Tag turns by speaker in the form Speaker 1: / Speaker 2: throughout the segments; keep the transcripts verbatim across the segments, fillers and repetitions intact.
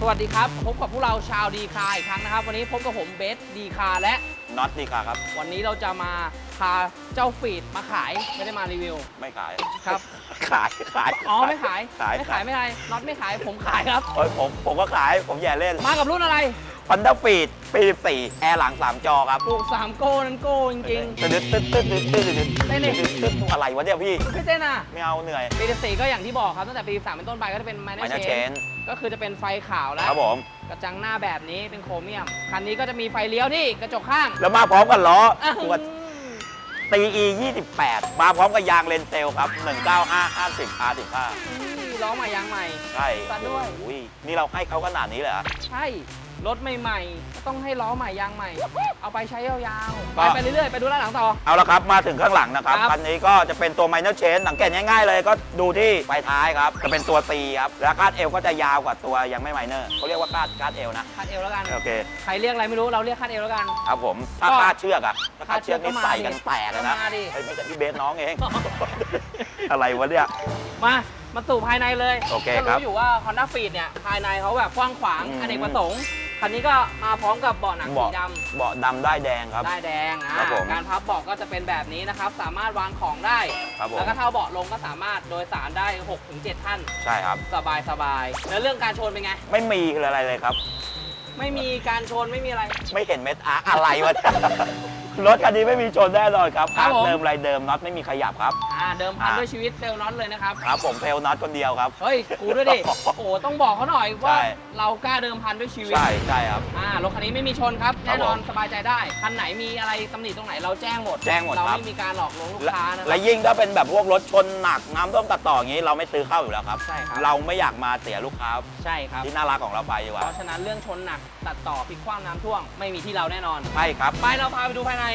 Speaker 1: วัสดีครับพบกับพวกเราชาวดีคาอีกครั้งนะครับวันนี้พบกับผมเบสดีคาและ
Speaker 2: น็อตดีคาครับ
Speaker 1: วันนี้เราจะมาพาเจ้าฟีดมาขายไม่ได้มารีวิว
Speaker 2: ไม่ขาย
Speaker 1: ครับ
Speaker 2: ขายขาย
Speaker 1: อ๋อไม่ขาย
Speaker 2: ขาย
Speaker 1: ไม่ขายไม่ขายน็อตไม่ขายผมขายครับ
Speaker 2: โอ้ยผมผมก็ขายผมแย่เล่น
Speaker 1: มากับรุ่นอะไร
Speaker 2: Honda Freed ปีสิบสี่แอร์หลังสามจอครับ
Speaker 1: ปลูกสามโก้นั้นโก้จริง
Speaker 2: ๆตึ๊ดตึ๊ดตึ๊ดตึ๊ดตึ๊ดตึ๊ด
Speaker 1: เต้นดิ
Speaker 2: อะไรวะเนี่ยพี่
Speaker 1: ไม่เต้นอ่ะ
Speaker 2: ไม่เอาเหนื่อย
Speaker 1: ปีสิบสี่ก็อย่างที่บอกครับตั้งแต่ปีสิบสามเป็นต้นไปก็จะเป็นไมเนอร์เชนก็คือจะเป็นไฟขาวแล้ว
Speaker 2: ครับผม
Speaker 1: กระจังหน้าแบบนี้เป็นโครเมียมคันนี้ก็จะมีไฟเลี้ยวที่กระจกข้าง
Speaker 2: แล้วมาพร้อมกันล้อตัวตี อี ยี่สิบแปดมาพร้อมกับยางเลนเซลครับหนึ่งเก้าห้า ห้าสิบ อาร์ สิบห้า
Speaker 1: ล้อใหม่ยางใหม่
Speaker 2: ใช่
Speaker 1: ซัดด้วย
Speaker 2: นี่เราให้เขาขนาดนี้เลยเหรอ
Speaker 1: ใช่รถใหม่ๆก็ต้องให้ล้อใหม่ยางใหม่เอาไปใช้ยาวๆไปไปเรื่อยๆไปดูด้านหลังต่อ
Speaker 2: เอาละครับมาถึงข้างหลังนะครับคันนี้ก็จะเป็นตัว minor change สังเกตง่ายๆเลยก็ดูที่ไฟท้ายครับจะเป็นตัว C ครับแล้วคาดเอวก็จะยาวกว่าตัวยังไม่ minor เขาเรียกว่าคาดคาดเอวนะ
Speaker 1: คาดเอวแล้วกัน
Speaker 2: โอเค
Speaker 1: ใครเรียกอะไรไม่รู้เราเรียกคาดเอวแล้วกัน
Speaker 2: ครับผมถ้าคาดเชือกอะถ้าคาดเชือกนี่ใส่กันแตกเลยนะเฮ้ยไม่ใช่พี่เบสน้องเองอะไรวะเนี่ย
Speaker 1: มามาสู่ภายในเลย
Speaker 2: โอเคครับ
Speaker 1: รู้อยู่ว่า Honda Freed เนี่ยภายในเขาแบบกว้างขวางอเนกประสงค์คันนี้ก็มาพร้อมกับเบาะหนังสีดำ
Speaker 2: เบาะดำได้แดงครับ
Speaker 1: ได้แดงอ่าการพับเบาะก็จะเป็นแบบนี้นะครับสามารถวางของได้แล้วก็เท่าเบาะลงก็สามารถโดยสารได้ หกถึงเจ็ด ท่าน
Speaker 2: ใช่ครับ
Speaker 1: สบายสบายแล้วเรื่องการชนเป็นไง
Speaker 2: ไม่มีอะไรเลยครับ
Speaker 1: ไม่มีการชนไม่มีอะไร
Speaker 2: ไม่เห็นเม็ดอาร์อะไรวะรถคันนี้ไม่มีชนแน่นอนครับอาร์เดิมไรเดิมน็อตไม่มีขยับครับ
Speaker 1: อ่าเดิมพันด้วยชีวิตเซลล์น็อตเลยนะครับ
Speaker 2: ครับผมเซลล์น็อตคนเดียวครับ
Speaker 1: เฮ้ยกูด้วยดิโอ้ต้องบอกเขาหน่อยว่าเรากล้าเดิมพันด้วยชีวิต
Speaker 2: ใช่ใช่ครับ
Speaker 1: อ่ารถคันนี้ไม่มีชนครับแน่นอนสบายใจได้คันไหนมีอะไรตำหนิตรงไหนเราแจ้งหมด
Speaker 2: แจ้งหมด
Speaker 1: เราไม่มีการหลอกลวงลูกค้านะ
Speaker 2: และยิ่งถ้าเป็นแบบพวกรถชนหนักน้ำท่วมตัดต่ออย่างนี้เราไม่ซื้อเข้าอยู่แล้วครับ
Speaker 1: ใช่ครับ
Speaker 2: เราไม่อยากมาเสียลูกค้า
Speaker 1: ใช่ครับ
Speaker 2: ที่น่ารักของเราไปดีกว่า
Speaker 1: เพราะฉะนั้นเรื่องชนหนักตัดต่อพลิกคว่ำน้ำท่วมไม่มีที่เราแน่นอน
Speaker 2: ใช่ครับ
Speaker 1: ไปเราพาไปดูภายใน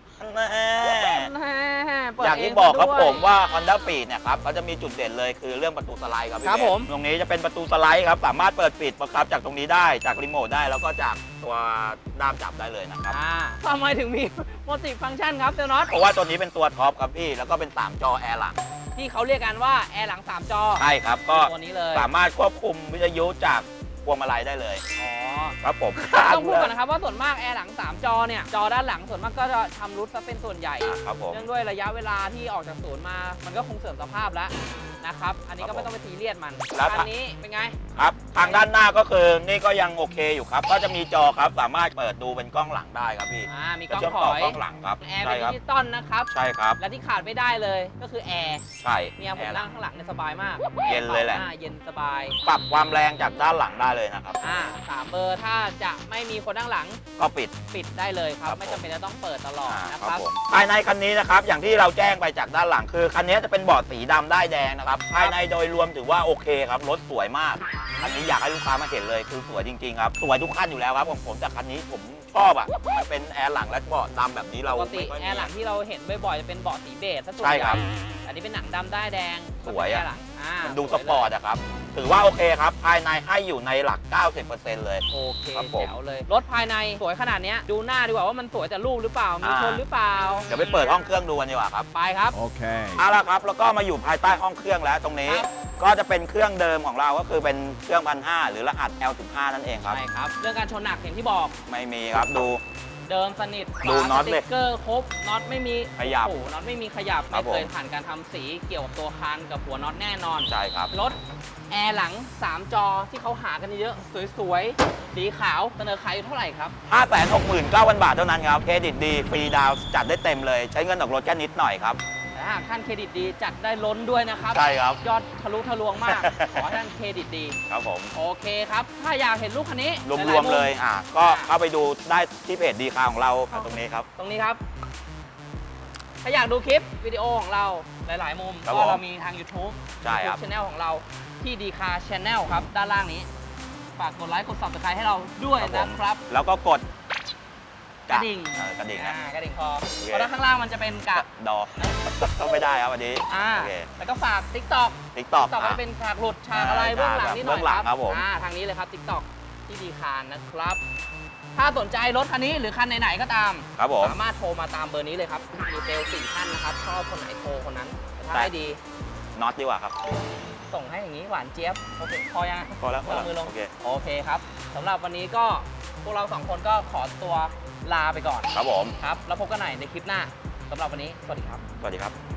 Speaker 2: อย่างที่บอกครับผมว่า Honda Freed เนี่ยครับเขาจะมีจุดเด่นเลยคือเรื่องประตูสไลด์ครับพี่เบสตรงนี้จะเป็นประตูสไลด์ครับสามารถเปิดปิดบังคับจากตรงนี้ได้จากรีโมทได้แล้วก็จากตัวด้ามจับได้เลยนะครับ
Speaker 1: ทำไมถึงมีมัลติฟังก์ชันครับเซลน็อต
Speaker 2: เพราะว่าตัวนี้เป็นตัวท็อปครับพี่แล้วก็เป็นสามจอแอร์หลัง
Speaker 1: ที่เขาเรียกกันว่าแอร์หลังสามจอ
Speaker 2: ใช่ครับก็
Speaker 1: ตัวนี้เลย
Speaker 2: สามารถควบคุมวิทยุจากพวงมาลัยได้เลย
Speaker 1: อ๋อ
Speaker 2: ครับผม
Speaker 1: ต้องพูดก่อนนะครับว่าส่วนมากแอร์หลังสามจอเนี่ยจอด้านหลังส่วนมากก็จะทำรุดซะเป็นส่วนใหญ่
Speaker 2: ครับผม
Speaker 1: เนื่องด้วยระยะเวลาที่ออกจากศูนย์มามันก็คงเสื่อมสภาพแล้วนะครับอันนี้ก็ไม่ต้องไปซีเรียสมันอันนี้เป็นไง
Speaker 2: ครับทางด้านหน้าก็คือนี่ก็ยังโอเคอยู่ครับก็จะมีจอครับสามารถเปิดดูเป็นกล้องหลังได้ครับพี่
Speaker 1: อ่ามีกล้อง
Speaker 2: ถอยกล้องหลังครับ
Speaker 1: แอร์เป็นดิจิตอลนะครับ
Speaker 2: ใช่ครับ
Speaker 1: และที่ขาดไม่ได้เลยก็คือแอร์
Speaker 2: ใช่
Speaker 1: เนี่ยผมนั่งข้างหลังเนี่ยสบายมาก
Speaker 2: เย็นเลยแหละ
Speaker 1: เย็นสบาย
Speaker 2: ปรับความแรงจากด้านหลังได้เลยนะครับ
Speaker 1: อ่าสามเบอร์ถ้าจะไม่มีคนนั่งหลัง
Speaker 2: ก็ปิด
Speaker 1: ปิดได้เลยครับไม่จำเป็นจะต้องเปิดตลอดนะครับ
Speaker 2: ภายในคันนี้นะครับอย่างที่เราแจ้งไปจากด้านหลังคือคันนี้จะเป็นเบาะสีดำได้แดงนะครับภายในโดยรวมถือว่าโอเคครับรถสวยมากคันนี้อยากให้ลูกค้ามาเห็นเลยคือสวยจริงๆครับสวยทุกคันอยู่แล้วครับของผมแต่คันนี้ผมชอบอ่ะมันเป็นแอร์หลังและเบาะดำแบบนี้เรา
Speaker 1: ปกติแอร์หลังที่เราเห็นบ่อยๆจะเป็นเบาะสีเบจซะส่วน
Speaker 2: ใช่
Speaker 1: ใหญ่
Speaker 2: ครับ
Speaker 1: อันนี้เป็นหนังดำได้แดง
Speaker 2: สวยอ่ะ
Speaker 1: มัน
Speaker 2: ดูสปอร์ตอะครับถือว่าโอเคครับภายในให้อยู่ในหลัก เก้าสิบเปอร์เซ็นต์ เลย
Speaker 1: โอเคแจ๋วเลยรถภายในสวยขนาดนี้ดูหน้าดีกว่าว่ามันสวยแต่รูปหรือเปล่ามีชนหรือเปล่า
Speaker 2: เดี๋ยวไปเปิดห้องเครื่องดูกันดีกว่าครับ
Speaker 1: ไปครับ
Speaker 2: โอเคเอาละครับแล้วก็มาอยู่ภายใต้ห้องเครื่องแล้วตรงนี้ก็จะเป็นเครื่องเดิมของเราก็คือเป็นเครื่องพันห้าหรือรหัส แอล สิบห้า นั่นเองครับ
Speaker 1: ใช่ครับเรื่องการชนหนักอย่างที่บอก
Speaker 2: ไม่มีครับดู
Speaker 1: เดิมสนิท
Speaker 2: ดูน็อต
Speaker 1: เลยสติ๊กเกอร์ครบน็อตไม่มี
Speaker 2: ขยับ
Speaker 1: โอ้น็อตไม่มีขยับไม่เคยผ่านการทำสีเกี่ยวกับตัวคานกับหัวน็อตแน่นอน
Speaker 2: ใช่ครับ
Speaker 1: รถแอร์หลังสามจอที่เขาหากันเยอะสวยๆสีขาวเสนอขายอยู่เท่าไหร่ครับ
Speaker 2: ห้าแสนหกหมื่นเก้าพัน บาทเท่านั้นครับเครดิตดีฟรีดาวจัดได้เต็มเลยใช้เงินออกรถแค่นิดหน่อยครับ
Speaker 1: แต่หากท่านเครดิตดีจัดได้ล้นด้วยนะครับ
Speaker 2: ใช่ครับ
Speaker 1: ยอดทะลุทะลวงมากขอท่านเครดิตดี
Speaker 2: ครับผม
Speaker 1: โอเคครับถ้าอยากเห็นลูกคันนี้
Speaker 2: รวมๆเลยอ่ะก็เข้าไปดูได้ที่เพจดีคาของเราตรงนี้ครับ
Speaker 1: ตรงนี้ครับถ้าอยากดูคลิปวิดีโอของเราหลายๆมุมก็เรามีทาง YouTube
Speaker 2: ใช่ครับ
Speaker 1: Channel ของเราที่ดีคา Channel ครับด้านล่างนี้ฝากกดไลค์กด ซับสไครบ์ ให้เราด้วยนะครับ
Speaker 2: แล้วก็กด
Speaker 1: กระดิ่ง
Speaker 2: กระดิ่ง
Speaker 1: กระดิ่งคอเพราะด้านข้างล่างมันจะเป็นกะ
Speaker 2: ดอก็ไม่ได้ครับวันนี้
Speaker 1: แล้วก็ฝาก ติ๊กต็อก
Speaker 2: ติ๊กต็อก
Speaker 1: ก็เป็นฉากหลุดฉากอะไรเบื้องหลังนิดหน่อยครับทางนี้เลยครับ ติ๊กต็อก ที่ดีคานะครับถ้าสนใจรถคันนี้หรือคันไหนๆก็ตามสามารถโทรมาตามเบอร์นี้เลยครับมีเซลล์สี่ท่านนะครับชอบคนไหนโทรคนนั้นถ้าให้ดี
Speaker 2: น็อตดีกว่าครับ
Speaker 1: สส่งให้อย่างนี้หวานเจี๊ยบโอเคพอยัง
Speaker 2: พอแล้วพอ
Speaker 1: วา
Speaker 2: แล้
Speaker 1: ง
Speaker 2: ว
Speaker 1: มือลง
Speaker 2: โอเค
Speaker 1: โอเคครับสำหรับวันนี้ก็พวกเราสองคนก็ขอตัวลาไปก่อน
Speaker 2: ครับผม
Speaker 1: ครับแล้วพบกันใหม่ในคลิปหน้าสำหรับวันนี้สวัสดีครับ
Speaker 2: สวัสดีครับ